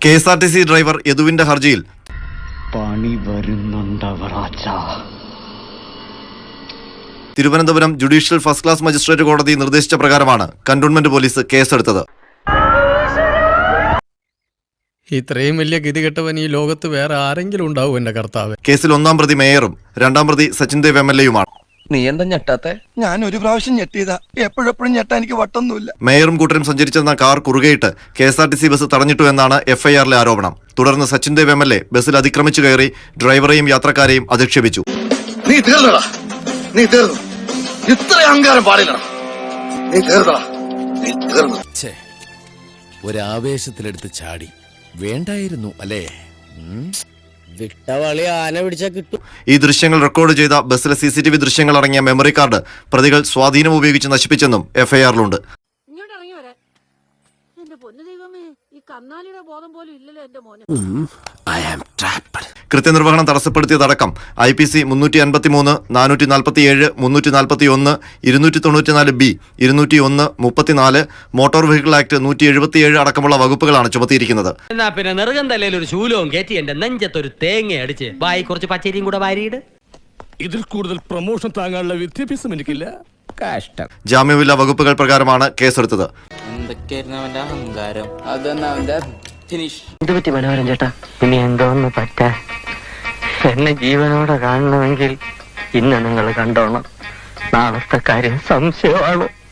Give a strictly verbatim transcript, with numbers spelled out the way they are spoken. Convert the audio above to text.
K S R T C driver യദുവിന്റെ ഹർജിയിൽ പണി വരുന്നുണ്ടവറാച്ച. Thiruvananthapuram judicial first class magistrate കോടതി നിർദ്ദേശിച്ച പ്രകാരമാണ് കന്റോൺമെന്റ് പോലീസ് കേസെടുത്തത്. ഇത്രയും വലിയ ഗതികെട്ടവൻ ഈ ലോകത്ത് വേറെ ആരെങ്കിലും ഉണ്ടാവും എന്റെ കർത്താവ്. കേസിൽ ഒന്നാം പ്രതി മേയറും രണ്ടാം പ്രതി സച്ചിൻ ദേവ് എം എൽ എയുമാണ്. നീ എന്താ ഞെട്ടാത്തെ? ഞാൻ ഒരു പ്രാവശ്യം ഞെട്ടിയതാ, എപ്പോഴെപ്പോഴും ഞെട്ടാ എനിക്ക് വട്ടൊന്നുമില്ല. മേയറും കൂട്ടരും സഞ്ചരിച്ചിരുന്ന കാർ കുറുകയിട്ട് K S R T C bus തടഞ്ഞിട്ടു എന്നാണ് എഫ് ഐ ആറിലെ ആരോപണം. തുടർന്ന് Sachin Dev M L A ബസ്സിൽ അതിക്രമിച്ചു കയറി ഡ്രൈവറെയും യാത്രക്കാരെയും അധിക്ഷേപിച്ചു. നീ തീർന്നടാ, നീ തീർന്നു. ഇത്ര അഹങ്കാരം പാടില്ലടാ, നീ തീർന്നടാ, നീ തീർന്നു. ഒരാവേശത്തിലെടുത്ത് ചാടി വേണ്ടായിരുന്നു അല്ലേ? വിട്ടവളി ആന പിടിച്ചാ കിട്ടും. ഈ ദൃശ്യങ്ങൾ റെക്കോർഡ് ചെയ്ത ബസ്സിലെ സി സി ടി വി ദൃശ്യങ്ങൾ അടങ്ങിയ മെമ്മറി കാർഡ് പ്രതികൾ സ്വാധീനം ഉപയോഗിച്ച് നശിപ്പിച്ചെന്നും എഫ് ഐ ആറിലുണ്ട്. കൃത്യനിർവഹണം തടസ്സപ്പെടുത്തിയതടക്കം ഐ പി സി മുന്നൂറ്റി അൻപത്തി മൂന്ന് നാനൂറ്റി നാൽപ്പത്തി ഏഴ് മുന്നൂറ്റി നാൽപ്പത്തി ഒന്ന് ഇരുന്നൂറ്റി തൊണ്ണൂറ്റിനാല് ബി ഇരുന്നൂറ്റി ഒന്ന് മുപ്പത്തിനാല് മോട്ടോർ വെഹിക്കിൾ ആക്ട് നൂറ്റി എഴുപത്തിയേഴ് അടക്കമുള്ള വകുപ്പുകളാണ് ചുമത്തിയിരിക്കുന്നത്. എന്നാ പിന്നെ നെറുകം തലയിൽ ഒരു ശൂലവും കയറ്റി എന്റെ നെഞ്ചത്തൊരു തേങ്ങ അടിച്ച് ബായി കുറച്ച് പച്ചരിയും കൂടെ വാരിയിട്. ഇതിൽ കൂടുതൽ പ്രൊമോഷൻ താങ്ങാനുള്ള വിദ്യാഭ്യാസം എനിക്കില്ല. കഷ്ടം. ജാമ്യമില്ലാ വകുപ്പുകൾ പ്രകാരമാണ് കേസെടുത്തത്. എന്തുപറ്റി മനോഹരൻ ചേട്ടാ? ഇനി എന്തോന്ന് പറ്റാ? എന്നെ ജീവനോടെ കാണണമെങ്കിൽ ഇന്ന് നിങ്ങൾ കണ്ടോണം. നാളത്തെ കാര്യം സംശയമാണ്.